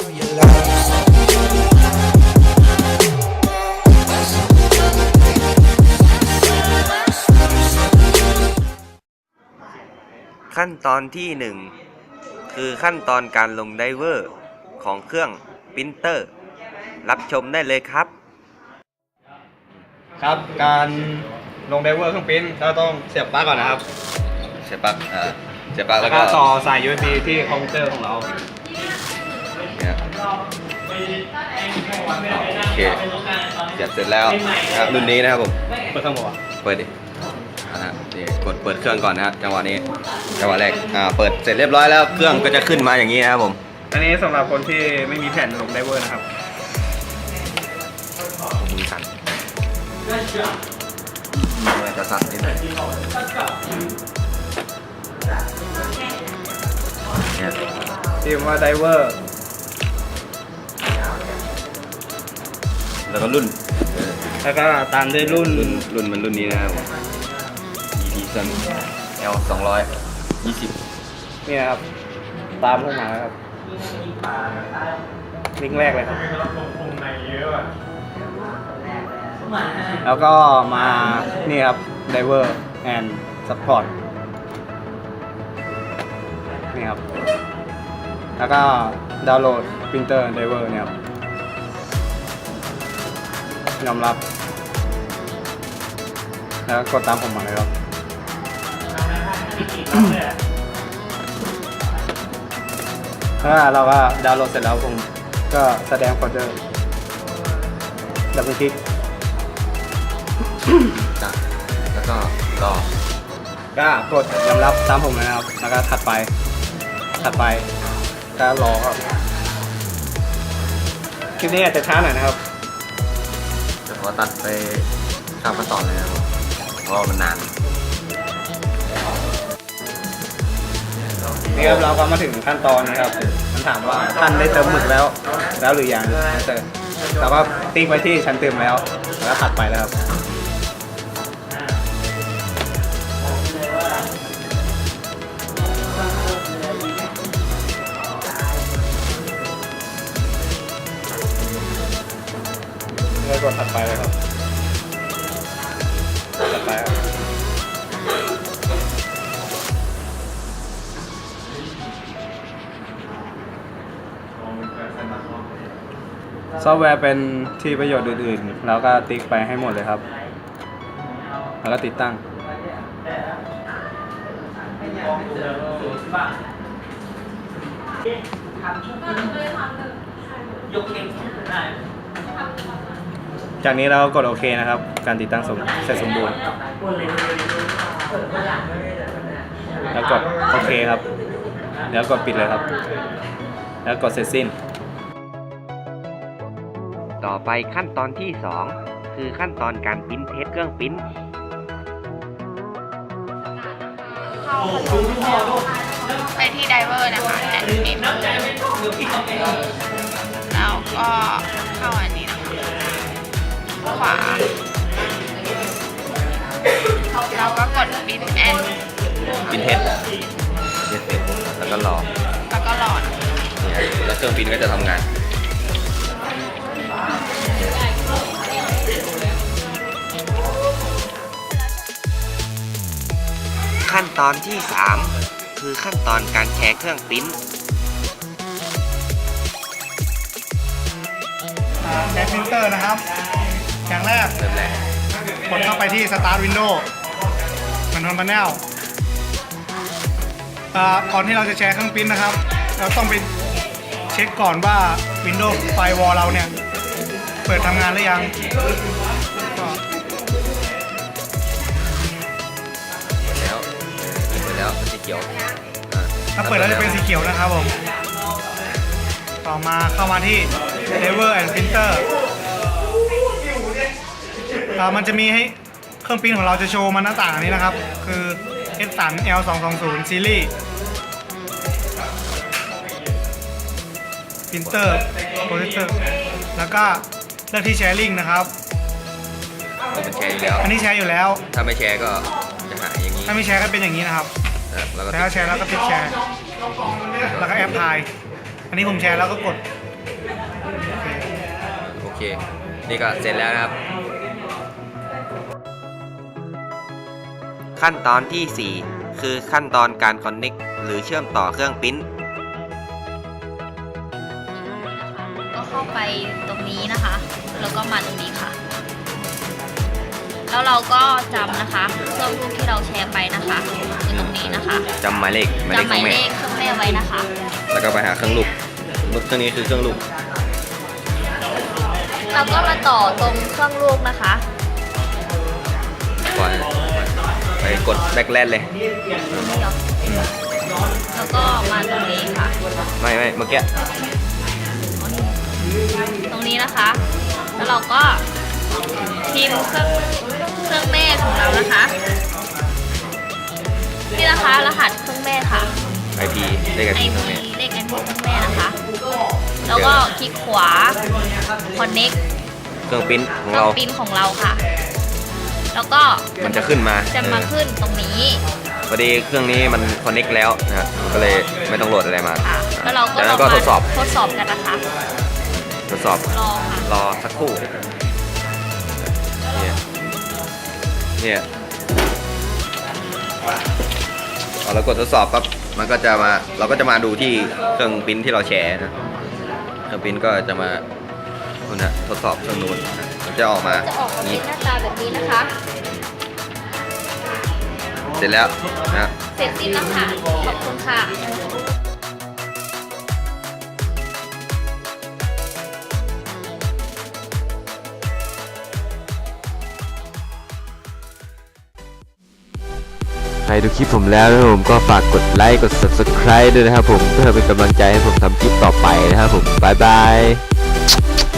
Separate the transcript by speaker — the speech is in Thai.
Speaker 1: ขั้นตอนที่ 1 คือขั้นตอนการลงไดเวอร์ของเครื่องปรินเตอร์รับชมได้เลยครับ
Speaker 2: ครับการลงไดเวอร์เครื่องปริ้นเราต้องเสียบปลั๊กก่อนนะครับ
Speaker 1: เสียบปลั๊กแล้วก็
Speaker 2: ต่อสาย USB ที่คอมพิวเตอร์ของเรา
Speaker 1: เนี่ยโอเคเสียบเสร็จแล้วนะครับรุ่นนี้นะครับผม
Speaker 2: เปิดเครื่องบอกว่า
Speaker 1: เปิดดินี่กดเปิดเครื่องก่อนนะครับจังหวะนี้จังหวะแรกเปิดเสร็จเรียบร้อยแล้วเครื่องก็จะขึ้นมาอย่างนี้นะครับผม
Speaker 2: อันนี้สำหรับคนที่ไม่มีแผ่นลงไดเวอร์นะครับ
Speaker 1: มือสั่นจะสั่นนิดหน่อยเนี่ย
Speaker 2: พิมพ์ว่าไดเวอร์
Speaker 1: แล้วก็รุ่น
Speaker 2: แล้วก็ตามด้วยรุ่น
Speaker 1: มันรุ่นนี้นะครับEdison L 220
Speaker 2: นี่ครับตามเข้ามาครับลิงก์แรกเลยครับแล้วก็มานี่ครับ Driver and Support นี่ครับแล้วก็ดาวน์โหลด Printer Driver เนี่ยครับยอมรับแล้วกดตามผมมาเลยครับถ้าเราก็ดาวน์โหลดเสร็จแล้วผมก็แสดงโฟลเดอร์ดับเบิลคลิก
Speaker 1: แล้วก็รอ
Speaker 2: ก็กดยอมรับตามผมเลยนะครับแล้วก็ถัดไปก็รอครับคลิปนี้อาจจะช้าหน่อยนะครับ
Speaker 1: จะขอตัดไปตามขั้นตอนเลยนะครับเพราะมันนาน
Speaker 2: นี่ครับเราก็มาถึงขั้นตอนนะครับมันถามว่าท่านได้เติมหมึกแล้วหรือยังเติมเราก็ติ๊กไว้ที่ชั้นเติมแล้วถัดไปแล้วครับกดถัดไปเลยครับถัดไปครับซอฟต์แวร์เป็นที่ประโยชน์อื่นๆแล้วก็ติ๊กไปให้หมดเลยครับแล้วก็ติดตั้งจากนี้เรากดโอเคนะครับการติดตั้งเสร็จสมบูรณ์แล้วกดโอเคครับแล้วกดปิดเลยครับแล้วกดเสร็จสิ้น
Speaker 1: ต่อไปขั้นตอนที่ 2 คือขั้นตอนการปริ้นเทสเครื่องปริ้น
Speaker 3: ไปที่ไดเวอร์นะคะแอดมินแล้วก็เข้าอันนี้นะคะขวาเราก็กดปริ้นแอน
Speaker 1: ปริ้นเทสแล้วก็รอแล้วเครื่องปริ้นก็จะทำงานขั้นตอนที่ 3 คือขั้นตอนการแชร์เครื่องปริ้น
Speaker 4: แชร์ปรินเตอร์นะครับอย่างแรกกดเข้าไปที่ Start Window Control Panel ก่อนที่เราจะแชร์เครื่องปริ้นนะครับเราต้องไปเช็คก่อนว่า Windows Firewall เราเนี่ยเปิดทำงานหรือยัง
Speaker 1: แล้วเป็นสีเขียว
Speaker 4: ถ้าเปิดแล้วจะเป็นสีเขียวนะครับผมต่อมาเข้ามาที่ Driver and Printer มันจะมีให้เครื่องปริ้นของเราจะโชว์มันหน้าต่างนี้นะครับคือ Edison L 220 Series Printer Processor แล้วก็เลือกที่ Sharing นะครับ
Speaker 1: มันแชร์อยู่แล้ว
Speaker 4: อันนี้แชร์อยู่แล้ว
Speaker 1: ถ้าไม่แชร์ก็จะหายอย่างนี้
Speaker 4: ถ้าไม่แชร์ก็เป็นอย่างนี้นะครับแต่ถ้าแชร์แล้วก็ติดแชร์แล้วก็แอปพลายอันนี้ผมแชร์แล้วก็กด
Speaker 1: เค นี่ก็เสร็จแล้วนะครับ ขั้นตอนที่ 4 คือขั้นตอนการคอนเน c t หรือเชื่อมต่อเครื่องปริ้น
Speaker 5: ก็เข้าไปตรงนี้นะคะ แล้วก็มาตรงนี้ค่ะ แล้วเราก็จำนะคะเครื่องรูปที่เราแชร์ไปนะคะคือตรงนี้นะคะ
Speaker 1: จำหมายเลข
Speaker 5: จำหมาย
Speaker 1: เครื่อง
Speaker 5: เล
Speaker 1: แม่
Speaker 5: ขเครื่องแม่ไว้นะคะ
Speaker 1: แล้วก็ไปหาเครื่องลูกเครื่องนี้คือเครื่องลูก
Speaker 5: เราก็มาต่อตรงเครื่องลูกนะคะ
Speaker 1: ก่อนไปกดแบ็คแลนเลย
Speaker 5: แล้วก็มาตรงนี้ค่ะ
Speaker 1: ไม่เมื่อกี้
Speaker 5: ตรงนี้นะคะ แล้วเราก็พิมพ์เครื่องแม่ของเรานะคะ นี่นะคะรหัสเครื่องแม่ค่ะ
Speaker 1: IP เลข IP เครื่องแม่
Speaker 5: เลข IP เครื่องแม่นะคะ แล้วก็คลิกขวา connect
Speaker 1: เครื่องปริ้นของ
Speaker 5: เครื่
Speaker 1: เรา
Speaker 5: องปริ้นของเราค่ะ แล้วก็
Speaker 1: มันจะขึ้นมา
Speaker 5: จะมาขึ้นตรงนี้
Speaker 1: พอดีเครื่องนี้มันคอนเน c t แล้วนะครับมันก็เลยไม่ต้องโหลดอะไรมา
Speaker 5: ค่ะ แล้วเราก็
Speaker 1: จาก
Speaker 5: ล
Speaker 1: นั้
Speaker 5: อง
Speaker 1: นก็
Speaker 5: มา
Speaker 1: ทดสอบ
Speaker 5: กันนะคะ
Speaker 1: ทดสอบ
Speaker 5: รอค่ะ
Speaker 1: รอสักครู่ เนี่ยพอเรากดทดสอบปั๊บมันก็จะมาเราก็จะมาดูที่เครื่องปริ้นที่เราแชร์นะเครื่องปริ้นก็จะมานู่นนะทดสอบเครื่องนู้นนะมันจะออกมา
Speaker 5: จะออกมาเป็
Speaker 1: นี้
Speaker 5: นหน้าตาแบบนี้นะคะ
Speaker 1: เสร็จแล้วนะ
Speaker 5: เสร็จสิ้นแล้วค่ะ ขอบคุณค่ะ
Speaker 1: ใครดูคลิปผมแล้วนะครับผมก็ฝากกดไลค์กด subscribe ด้วยนะครับผมเพื่อเป็นกำลังใจให้ผมทำคลิปต่อไปนะครับผมบ๊ายบาย